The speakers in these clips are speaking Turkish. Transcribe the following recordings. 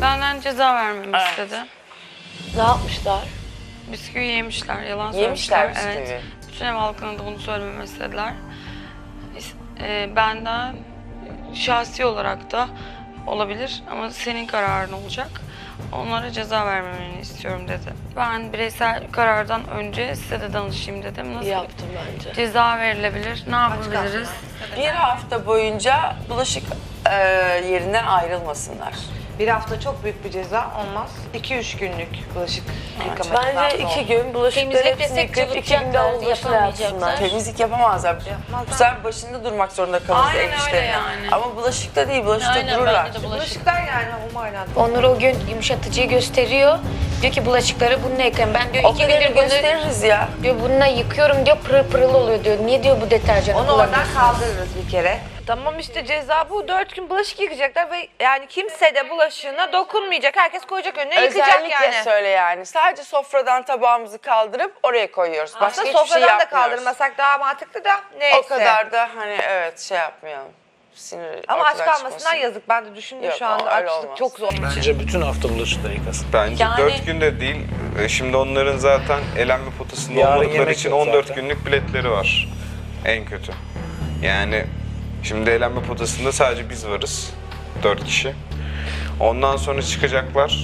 Benden ceza vermemi istedi. Ne yapmışlar? Bisküvi yemişler, yalan Yemişler söylemişler. bisküvi. Evet. Bütün ev halkına da bunu söylememi istediler. Benden şahsi olarak da olabilir ama senin kararın olacak. Onlara ceza vermemeni istiyorum dedi. Ben bireysel karardan önce size de danışayım dedim. Nasıl Yaptım bence. ceza verilebilir? Ne yapabiliriz? Bir hafta boyunca bulaşık yerinden ayrılmasınlar. Bir hafta çok büyük bir ceza olmaz. 2-3 günlük bulaşık yıkama Bence 2 gün bulaşıkları Temizlik hepsini desek yıkayıp 2 günde cıvıtacaklar, olmasına yapamayacaklar. yapsınlar. Temizlik yapamazlar. Bu sefer başında durmak zorunda kalırız Aynen ev öyle işlerine. yani. Ama bulaşıkta değil, bulaşıkta Aynen, dururlar. bence de bulaşık. Bulaşıklar yani o manada. Onur o gün yumuşatıcıyı gösteriyor. Diyor ki bulaşıkları bununla yıkayın. Ben diyor O 2 kadarını gündür bunu gösteririz ya. diyor bununla yıkıyorum diyor pırıl pırıl oluyor diyor. Niye diyor bu deterjanı Onu oradan kullanıyorsun? kaldırırız bir kere. Tamam işte ceza bu. 4 gün bulaşık yıkayacaklar ve yani kimse de bulaşığına dokunmayacak. Herkes koyacak önüne yıkayacak Özellikle yani. söyle yani. Sadece sofradan tabağımızı kaldırıp oraya koyuyoruz. Başka Aslında hiçbir şey sofradan da yapmıyoruz. kaldırmasak daha mantıklı da neyse. O kadar da hani evet şey yapmayalım. Sinir Ama aç ortadan kalmasından çıkmasın. yazık. Ben de düşündüm Yok, şu anda öyle açlık olmaz. çok zor. Bence bütün hafta bulaşıkları yıkasın. Bence Yani- 4 günde değil. Şimdi onların zaten elenme potasında Yarın olmadıkları yemek için yok 14 zaten. günlük biletleri var. En kötü. Yani şimdi elenme potasında sadece biz varız. 4 kişi. Ondan sonra çıkacaklar.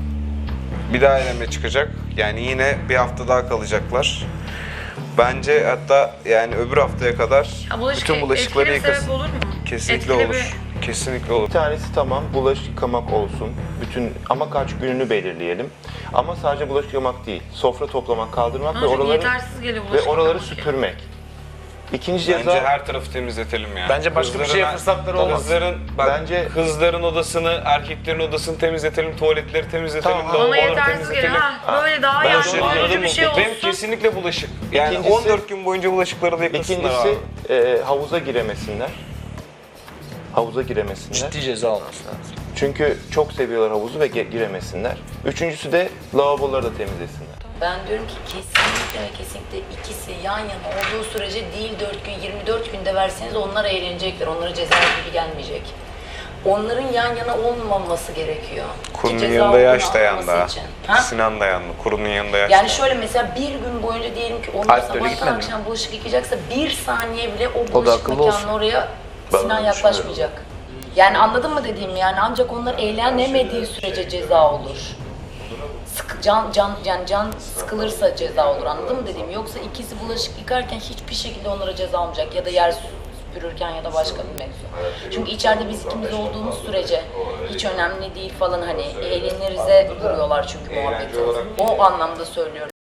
Bir daha eleme çıkacak. Yani yine bir hafta daha kalacaklar. Bence hatta yani öbür haftaya kadar bütün bulaşıkları yıkasın. olur mu? Kesinlikle Etkili olur. Kesinlikle olur. Bir tanesi tamam bulaşık yıkamak olsun. Bütün ama kaç gününü belirleyelim. Ama sadece bulaşık yıkamak değil. Sofra toplamak, kaldırmak ve Çünkü oraları yetersiz geliyor ve bulaşık oraları yıkamak. süpürmek. İkinci ceza Bence her tarafı temizletelim yani. Bence başka bir şeye fırsatları olmaz. Bence- Kızların odasını, erkeklerin odasını temizletelim, tuvaletleri temizletelim, Tamam. Bana lavaboları yetersiz geliyor. temizletelim. Ha, böyle daha Ben yardımcı şey olucu bir şey olsun. Benim kesinlikle bulaşık. Yani İkincisi- 14 gün boyunca bulaşıkları da yıkasınlar ikincisi abi. havuza giremesinler. Havuza giremesinler. Ciddi ceza olması lazım. Çünkü çok seviyorlar havuzu ve giremesinler. Üçüncüsü de lavaboları da temizlesinler. Ben diyorum ki kesinlikle ve kesinlikle ikisi yan yana olduğu sürece değil 4 gün 24 günde verseniz onlar eğlenecekler. Onlara ceza gibi gelmeyecek. Onların yan yana olmaması gerekiyor. Ki Kurunun ceza yanında olduğunu yaş dayandı anlaması ha. için. Ha? Sinan dayandı. Kurunun yanında yaş Yani dayandı. şöyle mesela bir gün boyunca diyelim ki onlar Alplere sabahtan gitmedi mi? akşam bulaşık yıkayacaksa bir saniye bile o da bulaşık akıllı mekanına olsun. oraya Ben Sinan öyle yaklaşmayacak. Yani anladın mı dediğimi yani ancak onlar eğlenemediği sürece ceza olur. Can sıkılırsa ceza olur anladın mı dediğim yoksa ikisi bulaşık yıkarken hiçbir şekilde onlara ceza olmayacak ya da yer süpürürken ya da başka bir mevzu. Çünkü içeride biz ikimiz olduğumuz sürece hiç önemli değil falan hani eğlenirize vuruyorlar çünkü muhabbeti. O anlamda söylüyorum.